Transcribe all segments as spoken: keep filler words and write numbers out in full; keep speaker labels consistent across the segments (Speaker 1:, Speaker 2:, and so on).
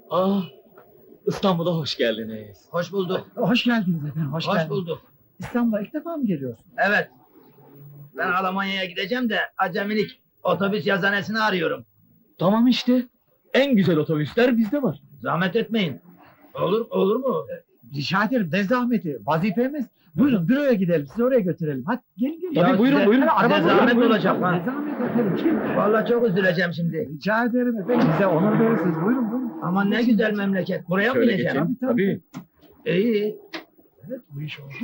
Speaker 1: Ah, İstanbul'a hoş geldiniz.
Speaker 2: Hoş bulduk.
Speaker 3: Hoş geldiniz efendim, hoş,
Speaker 2: Hoş
Speaker 3: geldiniz.
Speaker 2: bulduk.
Speaker 3: İstanbul'a ilk defa mı geliyorsunuz?
Speaker 2: Evet. Ben Almanya'ya gideceğim de acemilik otobüs yazanesini arıyorum.
Speaker 1: Tamam işte. En güzel otobüsler bizde var.
Speaker 2: Zahmet etmeyin. Olur olur mu?
Speaker 3: Rica ederim, ne zahmeti, vazifemiz. Buyurun, büroya gidelim, sizi oraya götürelim. Hadi gelin gelin.
Speaker 1: Tabii,
Speaker 2: Ya
Speaker 1: buyurun,
Speaker 2: size-
Speaker 1: buyurun.
Speaker 2: size
Speaker 3: Araba
Speaker 2: zahmet
Speaker 3: buyurun,
Speaker 2: olacak
Speaker 3: buyurun.
Speaker 2: ha.
Speaker 3: Ne zahmet efendim, kim?
Speaker 2: Vallahi çok üzüleceğim şimdi.
Speaker 3: Rica ederim efendim, bize onur verirsiniz. Buyurun buyurun.
Speaker 2: Aman ne güzel memleket. Buraya mı
Speaker 1: Şöyle
Speaker 2: bineceğim?
Speaker 1: geçin.
Speaker 3: Tabii,
Speaker 1: Tabii.
Speaker 2: İyi.
Speaker 3: Evet, bu iş oldu.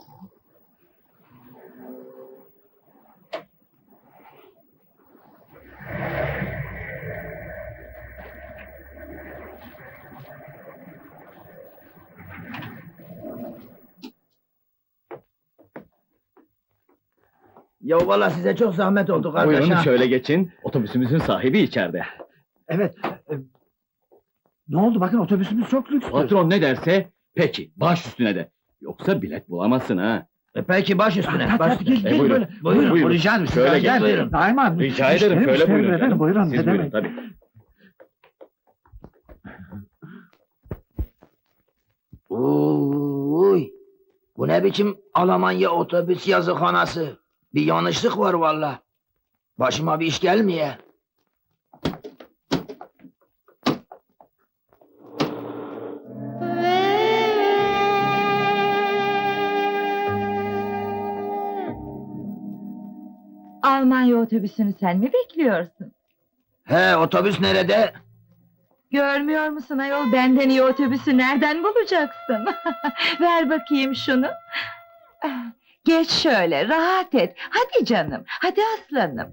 Speaker 2: Ya vallahi size çok zahmet oldu kardeş
Speaker 1: Buyurun
Speaker 2: ha.
Speaker 1: şöyle geçin. Otobüsümüzün sahibi içeride.
Speaker 3: Evet. e, ne oldu, bakın otobüsümüz çok lüks.
Speaker 1: Patron ne derse peki baş üstüne de. Yoksa bilet bulamazsın ha.
Speaker 2: E peki baş üstüne.
Speaker 3: Hadi,
Speaker 2: Baş
Speaker 3: hadi,
Speaker 2: üstüne.
Speaker 3: gelin,
Speaker 1: E,
Speaker 3: gelin,
Speaker 1: buyurun,
Speaker 3: böyle.
Speaker 2: buyurun,
Speaker 3: Buyurun,
Speaker 1: buyurun.
Speaker 3: rica ederim.
Speaker 1: Şöyle
Speaker 3: rica
Speaker 1: gel,
Speaker 3: ederim.
Speaker 2: buyurun.
Speaker 3: Daima.
Speaker 1: Rica ederim
Speaker 3: Müşteri,
Speaker 1: şöyle
Speaker 3: müşteri
Speaker 1: buyurun
Speaker 3: efendim,
Speaker 1: canım.
Speaker 3: buyurun.
Speaker 1: Siz
Speaker 3: ne
Speaker 1: buyurun
Speaker 3: demek?
Speaker 1: tabii.
Speaker 2: Uy. Bu ne biçim Almanya otobüs yazıkhanası? Bir yanlışlık var valla. Başıma bir iş gelmeye.
Speaker 4: Almanya otobüsünü sen mi bekliyorsun?
Speaker 2: He, otobüs nerede?
Speaker 4: Görmüyor musun ayol, benden iyi otobüsü nereden bulacaksın? Ver bakayım şunu. Geç şöyle, rahat et. Hadi canım, hadi aslanım.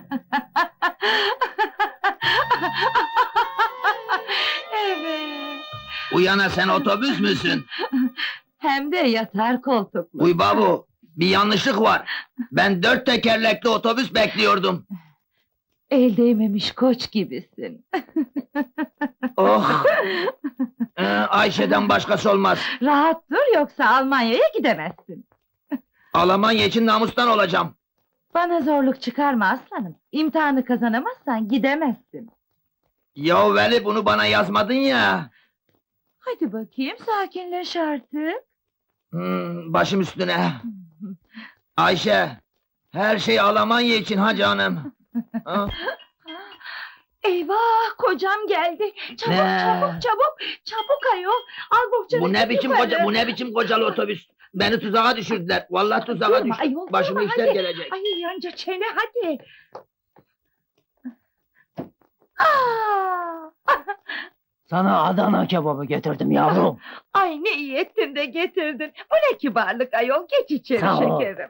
Speaker 4: Evet.
Speaker 2: Uyana sen otobüs müsün?
Speaker 4: Hem de yatar koltuklu.
Speaker 2: Uy babu, bir yanlışlık var. Ben dört tekerlekli otobüs bekliyordum.
Speaker 4: El değmemiş koç gibisin.
Speaker 2: Oh! Ee, Ayşe'den başkası olmaz.
Speaker 4: Rahat dur, yoksa Almanya'ya gidemezsin.
Speaker 2: Almanya için namustan olacağım.
Speaker 4: Bana zorluk çıkarma aslanım. İmtihanı kazanamazsan gidemezsin.
Speaker 2: Ya Veli, bunu bana yazmadın ya.
Speaker 4: Hadi bakayım, sakinleş artık.
Speaker 2: Hmm, başım üstüne. Ayşe, her şey Almanya için ha canım. Ha?
Speaker 4: Eyvah, kocam geldi. Çabuk,
Speaker 2: Ne?
Speaker 4: çabuk, çabuk, çabuk ayol. Al bohçanı.
Speaker 2: Bu ne
Speaker 4: git
Speaker 2: biçim
Speaker 4: yukarı.
Speaker 2: koca, bu ne biçim kocalı otobüs? Beni tuzağa düşürdüler. Vallahi tuzağa
Speaker 4: Durma
Speaker 2: düştüm.
Speaker 4: ayol,
Speaker 2: Başıma
Speaker 4: durma,
Speaker 2: işler
Speaker 4: hadi.
Speaker 2: gelecek.
Speaker 4: Ay yanca çene, hadi. Aa!
Speaker 5: Sana Adana kebabı getirdim yavrum.
Speaker 4: Ay ne iyi ettin de getirdin. Bu ne kibarlık ayol, geç içeri
Speaker 5: Sağ ol.
Speaker 4: şekerim.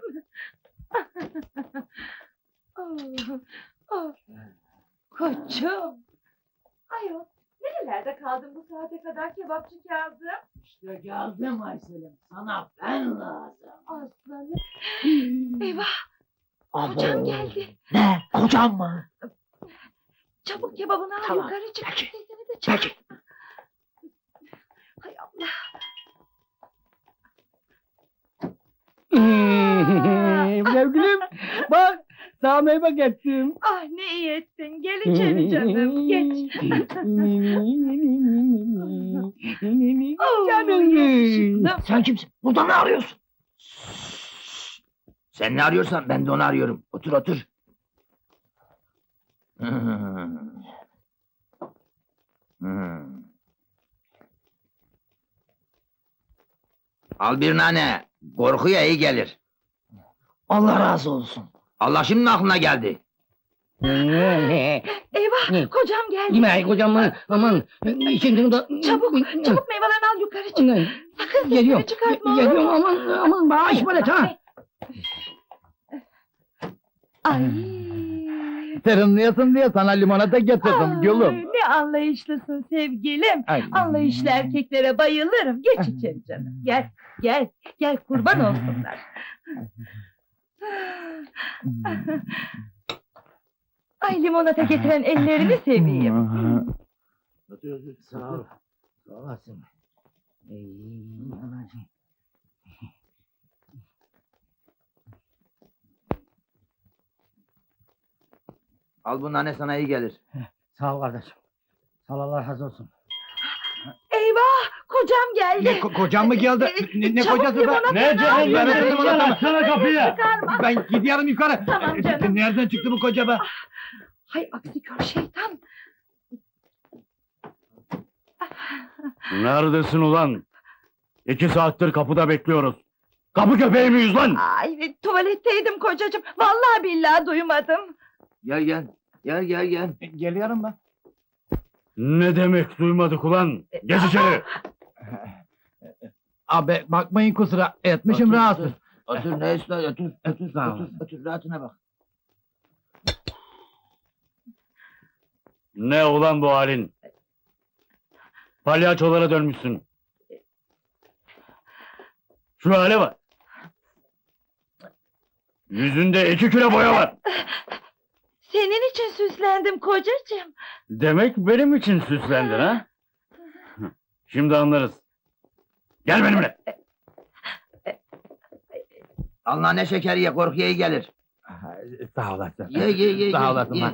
Speaker 4: Oh, oh. Koçum. Ayol, nerelerde kaldın bu saate kadar kebapçı Kazım?
Speaker 5: İşte geldim Aysel'im. Sana ben lazım.
Speaker 4: Aslanım. Eyvah,
Speaker 5: Abo.
Speaker 4: kocam geldi.
Speaker 5: Ne? Kocam mı?
Speaker 4: Çabuk kebabını al,
Speaker 5: Tamam,
Speaker 4: yukarı çık.
Speaker 5: peki.
Speaker 4: Sesini de çık.
Speaker 5: Peki.
Speaker 4: Hay Allah.
Speaker 5: Sevgilim bak sana meyve getirdim.
Speaker 4: Ah ne iyi ettin. Gel içeri canım. Geç. Oh, yakışıklım.
Speaker 5: Sen kimsin? Burada ne arıyorsun?
Speaker 2: Sen ne arıyorsan ben de onu arıyorum. Otur otur. Hmm. Hmm. Al bir nane. Korkuya iyi gelir.
Speaker 5: Allah razı olsun.
Speaker 2: Allah şimdi aklına geldi.
Speaker 4: Eyvah,
Speaker 5: Ne?
Speaker 4: kocam geldi.
Speaker 5: Yemeği kocamı aman şimdi da
Speaker 4: Çabuk, çabuk meyvelerini al, yukarı çık. Sakın
Speaker 5: Geliyorum.
Speaker 4: sesini çıkartma, olur mu?
Speaker 5: Geliyorum aman aman bağış böyle ha.
Speaker 4: Ay.
Speaker 5: Serinliyorsun diye sana limonata getirdim
Speaker 4: Ay, ne anlayışlısın sevgilim.
Speaker 5: Ay.
Speaker 4: Anlayışlı erkeklere bayılırım. Geç içeri canım. Gel, gel, gel kurban olsunlar. Ay limonata getiren ellerini seveyim.
Speaker 5: Sağ ol. Sağ olasın. Ey, anacığım.
Speaker 2: Al bu nane sana iyi gelir.
Speaker 5: Sağ ol kardeşim. Sağ ol, Allah razı olsun.
Speaker 4: kocam geldi.
Speaker 3: Ne ko- kocam mı geldi? Ne, ne
Speaker 4: Çabuk
Speaker 3: kocası be?
Speaker 4: limonata
Speaker 3: Ne
Speaker 4: ver.
Speaker 3: canım? Ben
Speaker 4: Yürü,
Speaker 3: öptüm
Speaker 4: yürü.
Speaker 3: onu. Sana kapıyı.
Speaker 4: Çıkarma.
Speaker 3: Ben gidiyorum yukarı.
Speaker 4: Tamam canım.
Speaker 3: Nereden çıktı bu koca be?
Speaker 4: Hay aksi kör şeytan.
Speaker 1: Neredesin ulan? İki saattir kapıda bekliyoruz. Kapı köpeği miyiz lan?
Speaker 4: Ay tuvaletteydim kocacığım. Vallahi billahi duymadım.
Speaker 2: Gel gel. Gel gel gel.
Speaker 3: Geliyorum ben.
Speaker 1: Ne demek duymadık ulan? Geç içeri.
Speaker 3: Abi bakmayın kusura etmişim
Speaker 2: Otur,
Speaker 3: rahatsız.
Speaker 2: Otur ne ister otur. Otur
Speaker 3: Sağ
Speaker 2: otur,
Speaker 3: ol.
Speaker 2: otur rahatına bak.
Speaker 1: Ne ulan bu halin? Palyaçolara dönmüşsün. Şu hale bak. Yüzünde iki kilo boya var.
Speaker 4: Senin için süslendim kocacığım.
Speaker 1: Demek benim için süslendin ha? Şimdi anlarız. Gel benimle.
Speaker 2: Allah ne şeker ye korkuya iyi gelir.
Speaker 3: Sağ olasın.
Speaker 2: Ye ye ye.
Speaker 3: Sağ
Speaker 2: ye,
Speaker 3: olasın
Speaker 2: ye.
Speaker 3: lan.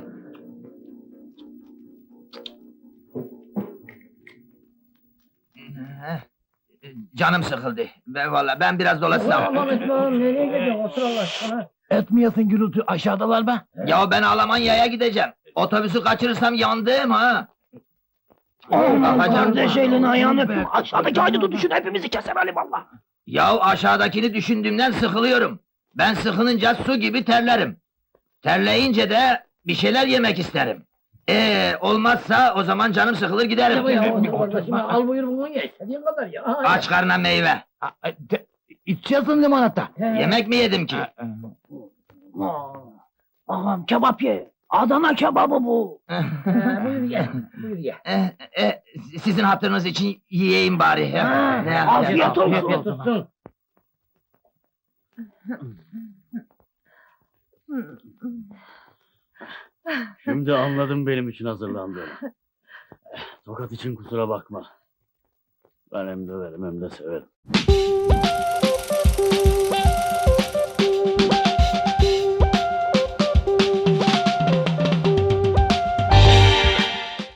Speaker 2: Heh, Canım sıkıldı. Ben valla ben biraz dolaşsam.
Speaker 5: nereye gidiyorsun? Otur Allah aşkına.
Speaker 3: Etmiyorsun gürültü aşağıdalar be.
Speaker 2: Ya ben Almanya'ya gideceğim. Otobüsü kaçırırsam yandım ha.
Speaker 5: Aman
Speaker 2: Bakacağım.
Speaker 5: kardeş elini ayağını öptüm. Aşağıdaki haydutu düşün hepimizi keser Ali valla.
Speaker 2: Ya aşağıdakini düşündüğümden sıkılıyorum. Ben sıkılınca su gibi terlerim. Terleyince de bir şeyler yemek isterim. Ee olmazsa o zaman canım sıkılır giderim.
Speaker 5: Bu ya otur kardeşim. Al buyur bunu ye. İstediğin kadar ya.
Speaker 2: Aç karnına meyve.
Speaker 3: İçiyorsun limonata.
Speaker 2: Yemek mi yedim ki?
Speaker 5: Ağam kebap ye. Adana kebabı bu. Buyur ye. Buyur ye.
Speaker 2: Eh, eh, sizin hatırınız için yiyeyim bari.
Speaker 5: Ha,
Speaker 2: Ne-
Speaker 5: afiyet olsun.
Speaker 3: Afiyet olsun.
Speaker 1: Şimdi anladım benim için hazırlandığını. Tokat için kusura bakma. Ben hem döverim hem de severim.